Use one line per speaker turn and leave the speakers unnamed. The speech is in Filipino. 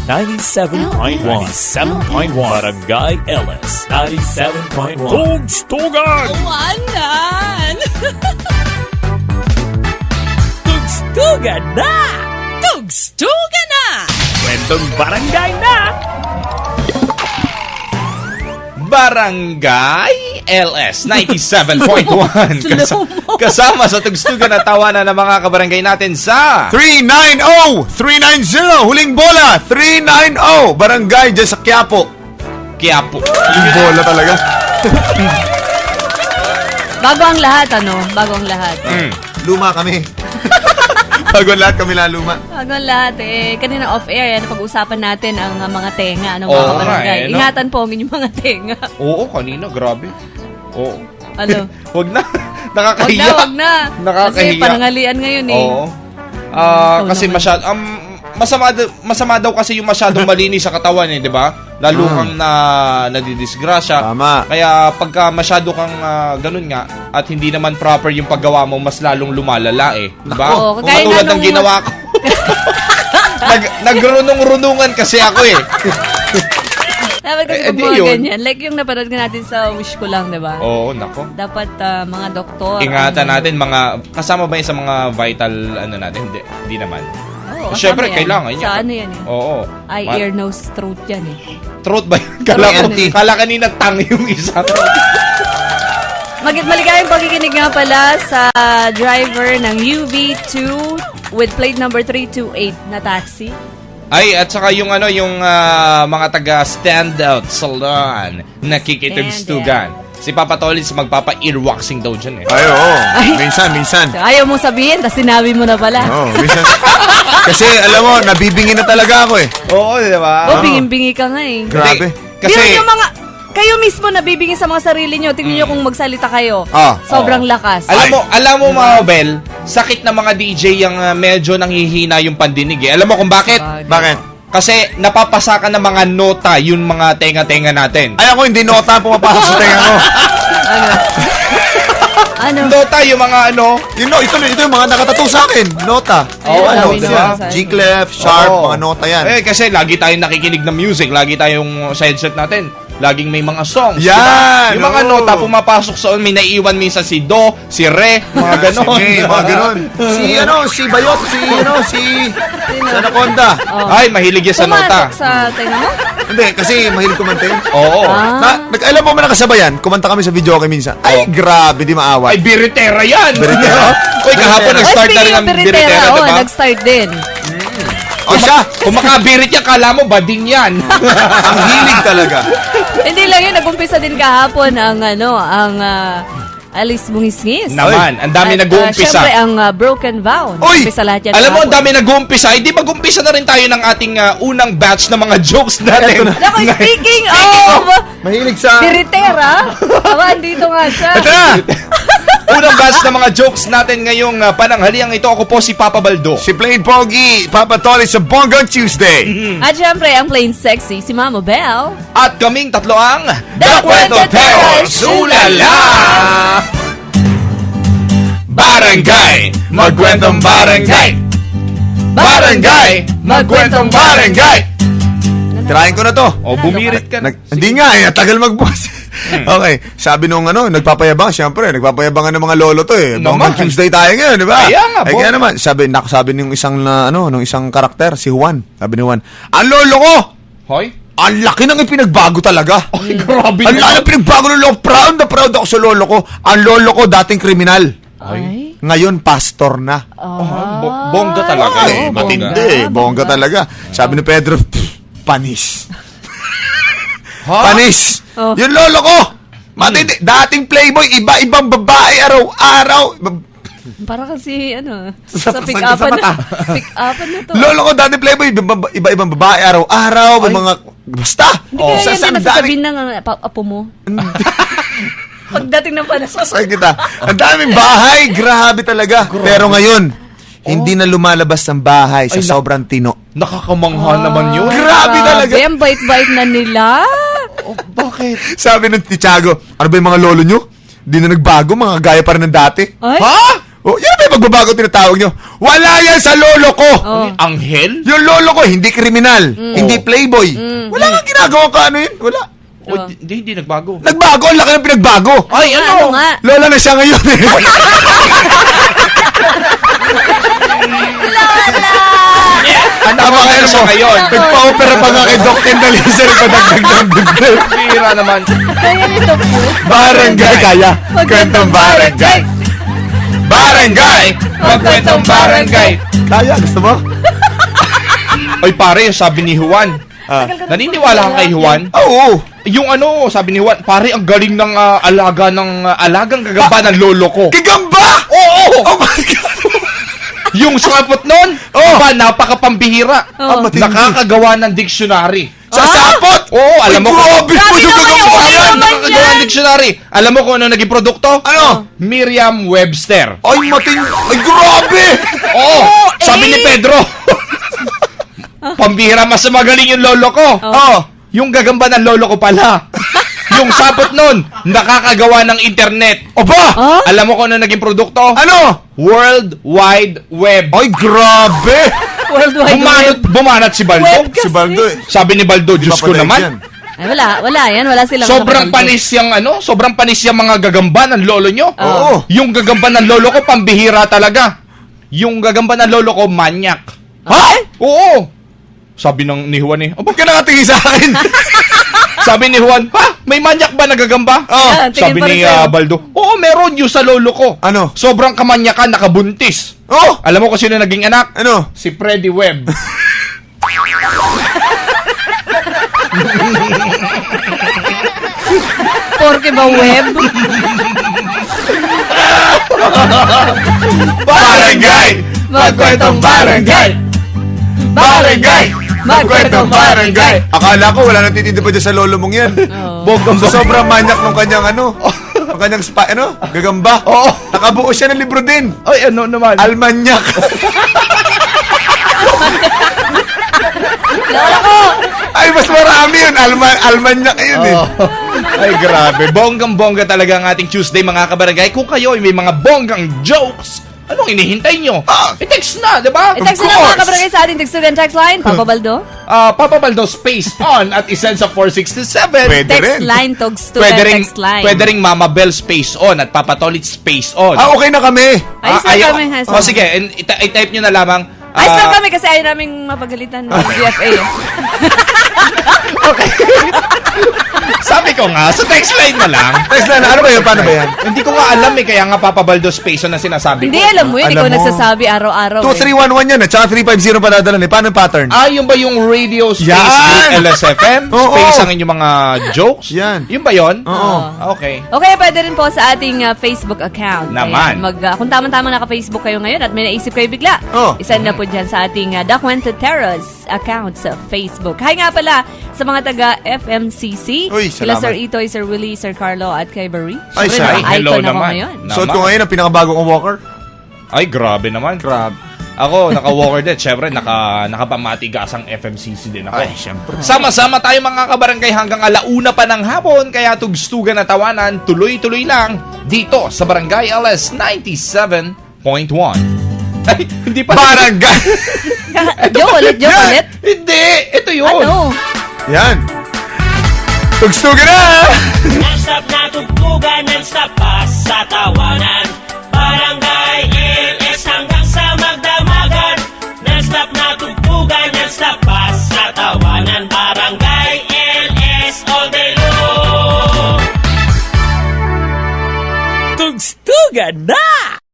97.1. 97.1. Barangay LS 97.1. Tugstugan!
Wanan!
Tugstugan na!
Tugstugan na!
Kwentong barangay na!
Barangay LS 97.1. Kasama sa tugstugan at tawanan ng mga kabarangay natin sa
390! 390! Huling bola! 390! Barangay dyan sa Quiapo.
Quiapo.
Huling bola talaga.
Bago ang lahat, Bago ang lahat.
Luma kami. Bago lahat kami luma.
Bago ang lahat, kanina off-air, pag-usapan natin ang mga tenga, mga
Oo,
kabarangay.
no?
Ingatan po ang inyong mga tenga.
Oo, kanina, grabe. Oo.
Ano?
Wag na. Nakakahiya.
Wag na.
Nakakahiya.
Kasi panangalian ngayon
Oo. Kasi masama daw kasi yung masyadong malinis sa katawan di ba? Lalo kang nadidisgrasya.
Tama.
Kaya pagka masyado kang ganun nga at hindi naman proper yung paggawa mo, mas lalong lumalala di ba?
Oo,
Kung
kagaya
katulad
nga
ng ginawa ko. Nagrunong-runungan kasi ako
Dapat kasi
Eh,
pag
di
mga
yun.
ganyan. Like yung napanood ka natin sa Wish Ko Lang, di ba?
Oo, nako.
Dapat mga doktor.
Ingatan natin kasama ba yun sa mga vital natin? Hindi naman.
Oo,
Siyempre,
kasama yan.
kailangan yan.
Sa ano yan
Oo.
Eye, ear, nose, throat yan
Throat ba yun? Kala kanina tang yung isa.
Maligayang pakikinig nga pala sa driver ng UV2 with plate number 328 na taxi.
Ay, at saka yung mga taga Standout Salon nakikitugstugan. Si Papa Tolis magpapa-earwaxing daw dyan
Ay, oo. Minsan.
So, ayaw mo sabihin, tapos sinabi mo na pala.
Oo, minsan. Kasi, alam mo, nabibingin na talaga ako
Oo, di ba?
Bingin-bingi ka nga
Grabe.
Kasi yung kayo mismo nabibingin sa mga sarili nyo. Tingnan nyo kung magsalita kayo. Sobrang lakas.
Alam mo mga Bel, sakit na mga DJ yung medyo nanghihina yung pandinig Alam mo kung bakit?
Bakit?
Kasi napapasakan ng mga nota yung mga tenga-tenga natin.
Ay, ako hindi nota ang pumapasok sa tenga ko.
Ano?
Nota yung mga
Ito yung mga nakatato sa akin. Nota.
Ayun,
diba?
G-clef, sharp, mga nota yan.
Kasi lagi tayong nakikinig ng music, lagi tayong sa headset natin. Laging may mga songs.
Yan!
Diba? Yung mga nota pumapasok sa may naiiwan minsan si Do, si Re, mga ganon.
Mga ganon. Si Bayot, si Anaconda.
Ay, mahilig yan sa nota.
Pumasok sa tenga mo?
Hindi, kasi mahilig kumanta yun.
Oo.
Alam mo ba nakasabayan? Kumanta kami sa video kay minsan. Ay, grabe, di maawat.
Ay, biritera yan!
Biritera?
Uy, kahapon nag-start na rin ang biritera, diba?
Nag-start din.
O siya,
Kung makabirit yan, kala mo, bading yan.
ang hilig talaga.
Hindi lang yun, nag-umpisa din kahapon ang Alice Bungis-ngis.
Naman, ang dami nag-uumpisa.
Siyempre, ang Broken Vow.
Uy!
Nag-umpisa lahat yan
Alam mo, ang
kahapon.
dami nag-uumpisa. Hindi mag-umpisa na rin tayo ng ating unang batch ng mga jokes natin.
Naku, speaking of
Mahilig sa...
Biritera, andito nga siya.
Ito na!
Unang batch ng mga jokes natin ngayong pananghaliang ito. Ako po si Papa Baldo.
Si Plain Pogi, Papa Tolly sa Bonggang Tuesday.
At syempre, ang plain sexy, si Mama Belle.
At kaming tatlo ang
The Kwento Tellers!
Sulala! Barangay, magkwentong barangay. Barangay, magkwentong barangay.
Tirahin ko na to.
O, bumirit ka na.
Hindi nga tagal magbukas. Okay, sabi nung nagpapayabang, siyempre, nagpapayabangan ng mga lolo to Bonggang Tuesday tayo ngayon, di ba?
Kaya nga,
kaya naman, sabi nung isang nung isang karakter, si Juan. Sabi ni Juan, ang lolo ko!
Hoy?
Ang laki nang ipinagbago talaga.
Ay, grabe
Ang
naman.
laki ng pinagbago ng lolo. Proud na proud ako sa lolo ko. Ang lolo ko dating kriminal.
Ay.
Ngayon, pastor na.
Bongga talaga.
Oo,
Matindi. Bongga talaga. Sabi ni Pedro, panis.
Ha?
Panis.
Oh.
Yung lolo ko. Matindi. Dating playboy, iba-ibang babae araw-araw.
Para kasi,
Sa
pick-upan
mata.
pick-upan na to.
Lolo ko, dating playboy, iba-ibang babae araw-araw. May mga, basta.
Kaya yan
Sa
din nasasabihin ng apo mo. Pagdating ng panasok.
Sasay kita. Ang daming bahay. Grabe talaga. Pero ngayon, hindi na lumalabas ng bahay sa sobrang tino.
Nakakamangha naman yun.
Grabe talaga.
Ang bait-bait na nila.
Bakit?
Sabi ng Tiago, ano ba yung mga lolo nyo? Di na nagbago, mga gaya pa rin ng dati.
Ay?
Ha?
Oh, yan ba yung magbabago tinatawag nyo? Wala yan sa lolo ko!
Oh.
Anghel?
Yung lolo ko, hindi kriminal, hindi playboy. Wala kang ginagawa ka ano yun. Wala.
Oh, hindi nagbago.
Nagbago, ang laki ng pinagbago.
Ay,
Ano nga?
Lola na siya ngayon eh.
Tama
Tama
ka
kayo
na siya
mo.
ngayon.
Nagpa-opera pa nga kay Doc Tendalizer. Padagdag.
Pira naman.
Kaya nito po.
Barangay. Kaya. Kwentong barangay.
Barangay! Magkwentong barangay!
Kaya, gusto mo?
Ay pare, sabi ni Juan. Naniniwala ka kay Juan?
Oo.
Yung ano, sabi ni Juan, pare, ang galing ng alagang gagamba ng lolo ko.
Gigamba!
Oo!
Oh my God!
Yung sapot nun, ba, napakapambihira.
Oh.
matindi.
Nakakagawa ng dictionary.
Sa sapot!
Oo, alam mo
Ay, grabe
Grabe
yung
naman
gagamba
yung
yan.
naman
Nakakagawa
yan.
ng dictionary. Alam mo kung ano naging produkto?
Ano?
Merriam-Webster.
Ay, Ay, grabe!
Oo, sabi ni
eh.
Pedro. Pambihira, mas magaling yung lolo ko.
Oh.
Yung gagamba ng lolo ko pala. Yung sapot nun, nakakagawa ng internet.
Oba!
Oh?
Alam mo kung ano naging produkto?
Ano?
World Wide Web.
Ay, grabe!
Worldwide Web.
Bumanat si Baldo.
Web kasi.
Si Baldo eh.
Sabi ni Baldo, Diyos ko
Papatay
naman.
yan.
Ay, wala yan. Wala silang
Sobrang
kapatid.
sobrang panis yung mga gagamba ng lolo nyo.
Oo.
Yung gagamba ng lolo ko, pambihira talaga. Yung gagamba ng lolo ko, manyak.
Ha?
Oo. Sabi ni Juan eh.
Ba't ka nakatingin sa akin?
Sabi ni Juan, pa, may manyak ba na gagamba?
Oh.
Ah, tingin
Sabi
pa rin
ni
sa'yo.
Baldo, oo, meron yung sa lolo ko.
Ano?
Sobrang kamanyakan, nakabuntis.
Oh!
Alam mo kung sino naging anak?
Ano?
Si Freddy Webb.
Porke ba web?
Barangay!
Magkwentong barangay!
Barangay!
Magkwentong barangay!
Akala ko wala nang titinda pa dyan sa lolo mong yan.
Bogong
So, sobrang manyak nung kanyang ang kanyang gagamba.
Oo.
Nakabuo siya ng libro din.
Ay, ano naman?
Almanyak.
Lola ko!
Ay, mas marami yun. Almanyak yun eh.
Ay, grabe. Bonggang-bongga talaga ang ating Tuesday, mga kabarangay. Kung kayo ay may mga bonggang jokes, anong inihintay nyo? I-text na, di ba?
I-text
Of
na mga
course.
kabarangay sa ating Textugan text line. Papa Baldo?
Papa Baldo space on at isend sa 467.
Pwede
Text
rin.
line, Tugstugan text line.
Pwede ring Mama Bell space on at Papa Tolit space on.
Ah, okay na kami.
Ayos na
ayaw-
kami, Hasan.
O sige, i-type nyo na lamang.
Ayos na kami kasi ayaw naming mapagalitan ng GFA.
Sabi ko nga, sa text line na lang.
Text na. Ano ba yun? Paano ba yan?
Hindi ko nga alam eh, kaya nga Papa Baldo space on na sinasabi
Hindi,
ko.
alam mo yun.
Alam
Ikaw
mo.
nagsasabi araw-araw.
2311 yan at saka 350 padadala eh. Paano yung pattern?
Yung ba yung radio space
Yan!
with LSFM?
Oo.
Space ang inyong mga jokes?
Yan.
Yung ba yun?
Oo.
Okay.
Okay, pwede rin po sa ating Facebook account.
Naman.
Ayan, kung tama-tama naka-Facebook kayo ngayon at may naisip kayo bigla,
Oh.
isend na po dyan sa ating The Quenteteros account sa Facebook. Hi nga pala sa mga taga FMCC.
Uy,
Kila
salamat.
Sir Itoy, Sir Willie, Sir Carlo at kay Barry.
Ay,
Siyempre,
sorry.
naka-icon
Hello
ako
naman.
ngayon.
Suot ko ngayon ang pinakabago kong walker.
Ay, grabe naman.
Grabe.
Ako, naka-walker din. Siyempre, nakapamatigasang FMCC din ako.
Ay, syempre.
Sama-sama tayo mga kabarangay hanggang alauna pa ng hapon. Kaya tugstugan na tawanan, tuloy-tuloy lang dito sa Barangay LS 97.1. Ay, hindi pa.
Joke ulit, joke
Yan!
ulit.
Hindi! Ito yun!
Ano?
Yan. Tugstugan na!
Non-stop na tugtugan, non-stop pa sa tawanan. Barangay LS hanggang sa magdamagan. Non-stop na tugtugan, non-stop pa sa tawanan. Barangay LS all day long.
Tugstugan na!